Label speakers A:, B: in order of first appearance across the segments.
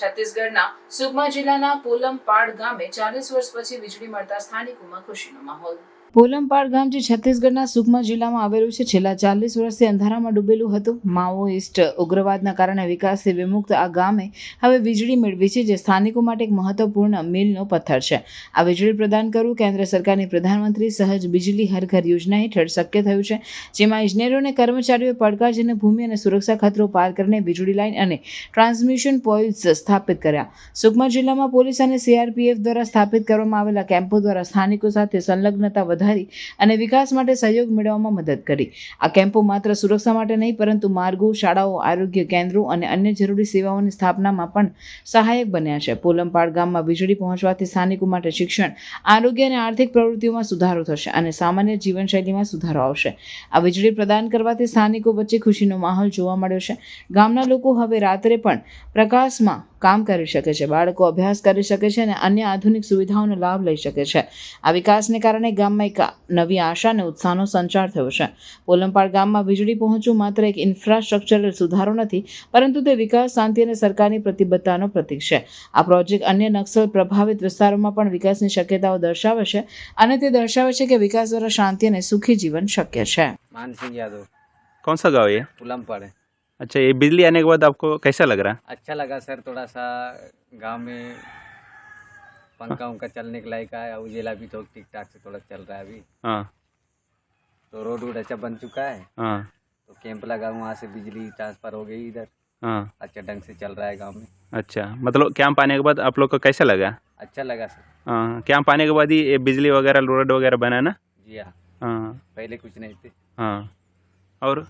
A: છત્તીસગઢના સુકમા જિલ્લાના પોલમપાડ ગામે 40 વર્ષ પછી વીજળી મળતા સ્થાનિકોમાં ખુશીનો માહોલ। પોલમપાડ ગામ જે છત્તીસગઢના સુકમા જિલ્લામાં આવેલું છે, છેલ્લા 40 વર્ષથી અંધારામાં ડૂબેલું હતું। માઓઇસ્ટ ઉગ્રવાદના કારણે વિકાસથી વિમુક્ત આ ગામે હવે વીજળી મેળવી છે, જે સ્થાનિકો માટે એક મહત્વપૂર્ણ મીલનો પથ્થર છે। આ વીજળી પ્રદાન કરવું કેન્દ્ર સરકારની પ્રધાનમંત્રી સહજ બિજલી હર ઘર યોજના હેઠળ શક્ય થયું છે, જેમાં ઇજનેરો અને કર્મચારીઓએ પડકારજનક ભૂમિ અને સુરક્ષા ખતરો પાર કરીને વીજળી લાઇન અને ટ્રાન્સમિશન પોલ્સ સ્થાપિત કર્યા। સુકમા જિલ્લામાં પોલીસ અને સીઆરપીએફ દ્વારા સ્થાપિત કરવામાં આવેલા કેમ્પો દ્વારા સ્થાનિકો સાથે સંલગ્નતા અને વિકાસ માટે સહયોગ મેળવવામાં મદદ કરી। આ કેમ્પો માત્ર સુરક્ષા માટે નહીં, પરંતુ માર્ગો, શાળાઓ, આરોગ્ય કેન્દ્રો અને અન્ય જરૂરી સેવાઓની સ્થાપનામાં પણ સહાયક બન્યા છે। પોલમપાડ ગામમાં વીજળી પહોંચવાથી સ્થાનિકો માટે શિક્ષણ, આરોગ્ય અને આર્થિક પ્રવૃત્તિઓમાં સુધારો થશે અને સામાન્ય જીવનશૈલીમાં સુધારો આવશે। આ વીજળી પ્રદાન કરવાથી સ્થાનિકો વચ્ચે ખુશીનો માહોલ જોવા મળ્યો છે। ગામના લોકો હવે રાત્રે પણ પ્રકાશમાં કામ કરી શકે છે, બાળકો અભ્યાસ કરી શકે છે અને અન્ય આધુનિક સુવિધાઓનો લાભ લઈ શકે છે। આ વિકાસને કારણે ગામમાં એક નવી આશા અને ઉત્સાહનો સંચાર થયો છે। પોલમપાડ ગામમાં વીજળી પહોંચવું માત્ર એક ઇન્ફ્રાસ્ટ્રક્ચરલ સુધારો નથી, પરંતુ તે વિકાસ, શાંતિ અને સરકારની પ્રતિબદ્ધતાનો પ્રતીક છે। આ પ્રોજેક્ટ અન્ય નક્સલ પ્રભાવિત વિસ્તારોમાં પણ વિકાસની શક્યતાઓ દર્શાવે છે અને તે દર્શાવે છે કે વિકાસ દ્વારા શાંતિ અને સુખી જીવન શક્ય છે।
B: मानसिंह यादव।
C: कौन सा गाँव है ये?
B: पुलमपाड़ है।
C: अच्छा, ये बिजली आने के बाद आपको कैसा लग रहा है?
B: अच्छा लगा सर, थोड़ा सा गांव में पंखा उनका चलने के लायक है, उजेला भी तो ठीक ठाक से थोड़ा चल रहा है अभी।
C: हाँ
B: तो रोड वोड अच्छा बन चुका है,
C: हाँ
B: तो कैंप लगा, वहाँ से बिजली ट्रांसफर हो गई इधर,
C: हाँ।
B: अच्छा ढंग से चल रहा है गांव में।
C: अच्छा, मतलब कैंप आने के बाद आप लोग को कैसा लगा?
B: अच्छा लगा सर।
C: हाँ, कैंप आने के बाद ही ये बिजली वगैरह, रोड वगैरह बना ना?
B: जी हाँ,
C: हाँ
B: पहले कुछ नहीं थे।
C: हाँ। और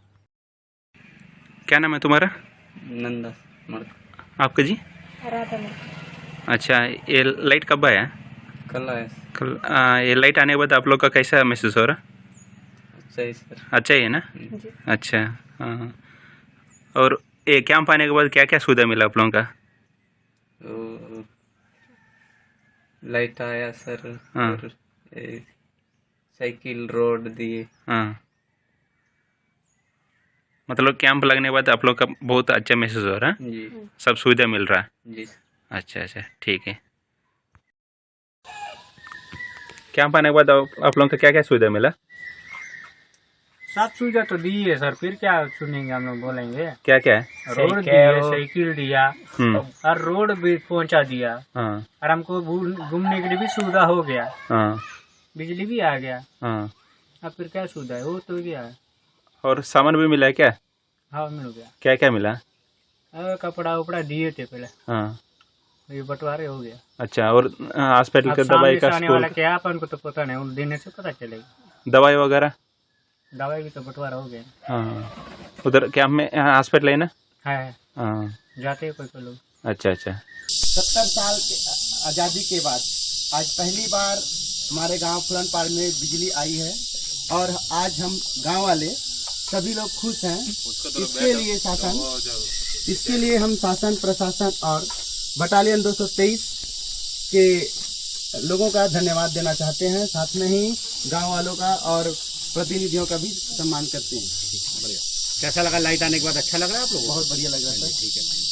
C: क्या नाम है तुम्हारा?
B: नंदा
C: आपका जी? अच्छा, ये लाइट कब आया?
B: कल है।
C: कल। ये लाइट आने के बाद आप लोग का कैसा महसूस हो रहा?
B: अच्छा है सर।
C: अच्छा ही है ना? अच्छा हाँ। और ये कैंप आने के बाद क्या क्या सुविधा मिला आप लोगों का?
B: तो लाइट आया सर,
C: हाँ।
B: और साइकिल रोड दिए।
C: हाँ, मतलब कैंप लगने के बाद आप लोग का बहुत अच्छा महसूस हो रहा है,
B: जी
C: सब सुविधा मिल रहा है।
B: जी।
C: अच्छा अच्छा, ठीक है। कैंप आने के बाद आप लोगों का क्या क्या सुविधा मिला?
D: सब सुविधा तो दी है सर, फिर क्या सुनेंगे, हम लोग बोलेंगे।
C: क्या क्या है?
D: रोड दिया, साइकिल दिया
C: हम्म।
D: और रोड भी पहुंचा दिया,
C: हाँ
D: और हमको घूमने के लिए भी सुविधा हो गया,
C: हाँ
D: बिजली भी आ गया।
C: हाँ।
D: अब फिर क्या सुविधा है, वो तो गया है।
C: और सामान भी मिला है क्या?
D: हाँ मिल गया।
C: क्या क्या मिला?
D: कपड़ा उपड़ा दिए थे पहले,
C: हाँ।
D: ये बंटवारे हो गया।
C: अच्छा, और हॉस्पिटल
D: अब
C: का
D: सामने
C: दवाई
D: से
C: का,
D: आने वाला क्या अपन को तो पता नहीं, उन देने से पता चलेगा।
C: दवाई वगैरह?
D: दवाई भी तो बंटवारा हो गया।
C: हाँ, उधर कैंप में हॉस्पिटल है ना?
D: है,
C: हाँ।
D: जाते हैं कोई लोग।
C: अच्छा अच्छा।
E: 70 साल के आज़ादी के बाद आज पहली बार हमारे गांव पुलमपाड़ में बिजली आई है, और आज हम गांव वाले सभी लोग खुश हैं। इसके लिए हम शासन, प्रशासन और बटालियन 223 के लोगों का धन्यवाद देना चाहते हैं, साथ में ही गांव वालों का और प्रतिनिधियों का भी सम्मान करते हैं।
F: कैसा लगा लाइट आने के बाद? अच्छा लग रहा है आप लोगों को?
E: बहुत बढ़िया लग रहा है। ठीक है।